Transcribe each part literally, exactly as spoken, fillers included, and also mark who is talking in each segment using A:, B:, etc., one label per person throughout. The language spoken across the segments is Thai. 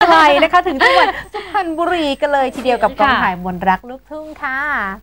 A: ไทยนะคะถึงจังหวัดสุพรรณบุรีกันเลยทีเดียวกับกองถ่ายมนต์รักลูกทุ่งค่ะ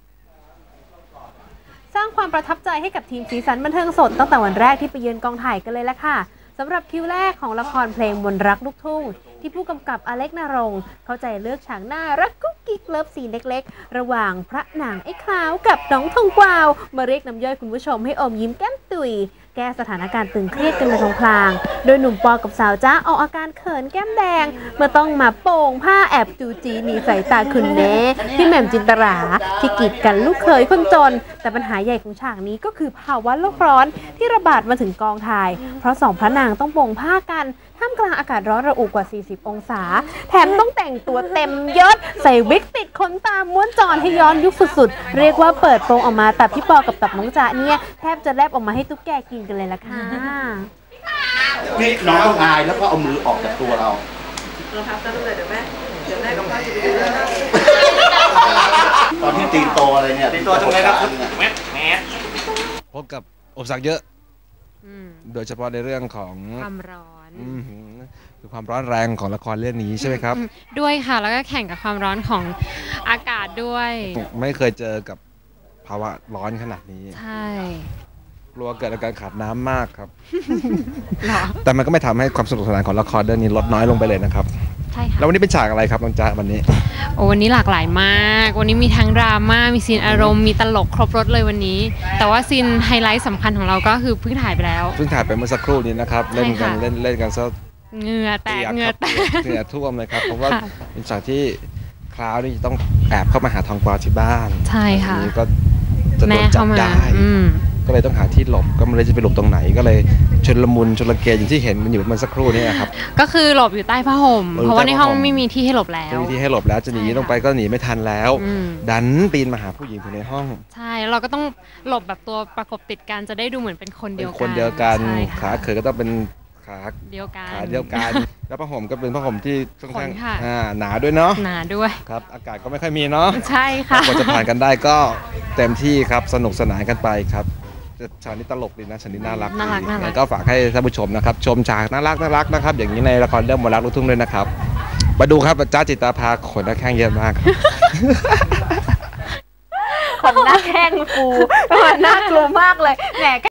A: สร้างความประทับใจให้กับทีมสีสันบันเทิงสดตั้งแต่วันแรกที่ไปเยือนกองถ่ายกันเลยละค่ะสำหรับคิวแรกของละครเพลงมนต์รักลูกทุ่งที่ผู้กำกับอเล็กนรงค์เข้าใจเลือกฉากหน้ารักกุ๊กกิ๊กเลิฟซีนเล็กๆระหว่างพระนางไอ้ขาวกับน้องทองกวาวมาเรียกน้ำย่อยคุณผู้ชมให้อมยิ้มแก้มตุยแก้สถานการณ์ตึงเครียดกันในพลางๆโดยหนุ่มปอกับสาวจ้าออกอาการเขินแก้มแดงเมื่อต้องมาโป่งผ้าแอบจูจีหนีสายตาคุณแม่พี่แหม่มจินตราที่กีดกันลูกเขยคนจนแต่ปัญหาใหญ่ของฉากนี้ก็คือภาวะโลกร้อนที่ระบาดมาถึงกองถ่ายเพราะสองพระนางต้องโป่งผ้ากันท่ามกลางอากาศร้อนระอุกว่าสี่สิบองศาแถมต้องแต่งตัวเต็มยศใส่วิกติดขนตาม้วนจอนให้ย้อนยุคสุดๆเรียกว่าเปิดโปงออกมาแต่พี่ปอกับตับน้องจ๊ะเนี่ยแทบจะแลบออกมาให้ตุ๊กแกกินกันเลยล่ะค่ะ
B: นี่น้องต้องอายแล้วก็เอามือออกจากตัวเรา
C: เราพับตั้งแต่เดี๋ยวแม่เดี๋ยวแม่กับพ่อจะไปดูแล้วนะ
B: ตอนที่ตีโตอะไรเนี่ย
D: ตีโตตรงไหนครับแมสแมส
E: พบกับอุปสรรคเยอะโดยเฉพาะในเรื่องของ
A: ความร้อน
E: คือความร้อนแรงของละครเรื่องนี้ใช่ไหมครับ
A: ด้วยค่ะแล้วก็แข่งกับความร้อนของอากาศด้วย
E: ไม่เคยเจอกับภาวะร้อนขนาดนี้
A: ใช่
E: กลัวเกิดอาการขาดน้ำมากครับแต่มันก็ไม่ทำให้ความสนุกสนานของละครเรื่องนี้ลดน้อยลงไปเลยนะครับ
A: ใช่ค่ะ
E: แล้ววันนี้เป็นฉากอะไรครับน้องจ๊ะวันนี้
A: โอ้วันนี้หลากหลายมากวันนี้มีทั้งดราม่ามีซีนอารมณ์มีตลกครบรถเลยวันนี้แต่ว่าซีนไฮไลท์สำคัญของเราก็คือเพิ่งถ่ายไปแล้ว
E: เพิ่งถ่ายไปเมื่อสักครู่นี้นะครับเล่นกันเล่นเล่นกันซะ
A: เหงื่อแตกเหงื่อแตก
E: เหงื่อท่วมเลยครับเพราะว่าเป็นฉากที่คราวนี้ต้องแอบเข้ามาหาทองกวาวที่บ้าน
A: ใช่ค่ะ
E: นี้ก็จะโดนจับได้ก็เลยต้องหาที่หลบก็ไม่รู้จะไปหลบตรงไหนก็เลยชลมุนชลเกอย่างที่เห็นมันอยู่มันสักครู่นี้ครับ
A: ก็คือหลบอยู่ใต้ผ้าห่มเพราะว่าในห้องไม่มีที่ให้หลบแล้ว
E: ไม่มีที่ให้หลบแล้วจะหนีลงไปก็หนีไม่ทันแล้วดันปีนมาหาผู้หญิงอยู่ในห้อง
A: ใช่เราก็ต้องหลบแบบตัวประกบติดกันจะได้ดูเหมือนเป็นคนเดียวกัน
E: คนเดียวกันขาเขยก็ต้องเป็นขา
A: เดียวกัน
E: ขาเดียวกันแล้วผ้าห่มก็เป็นผ้าห่มที่ค่อนข้างหนาด้วยเนาะ
A: หนาด้วย
E: ครับอากาศก็ไม่ค่อยมีเนาะ
A: ใช่ค่ะ
E: กว่าจะผ่านกันได้ก็เต็มที่ครับสนุกสนานกันไปครับฉากนี้ตลกดีนะฉากนี้น่ารัก
A: น่ารักน่ารัก
E: ก็ฝากให้ท่านผู้ชมนะครับชมฉากน่ารักน่ารักนะครับอย่างนี้ในละครเรื่องมนต์รักลูกทุ่งด้วยนะครับมาดูครับจ้าจิตาภาขนหน้าแข้งเยอะมาก
A: ขนหน้าแข้งฟูน่ากลัวมากเลยแหม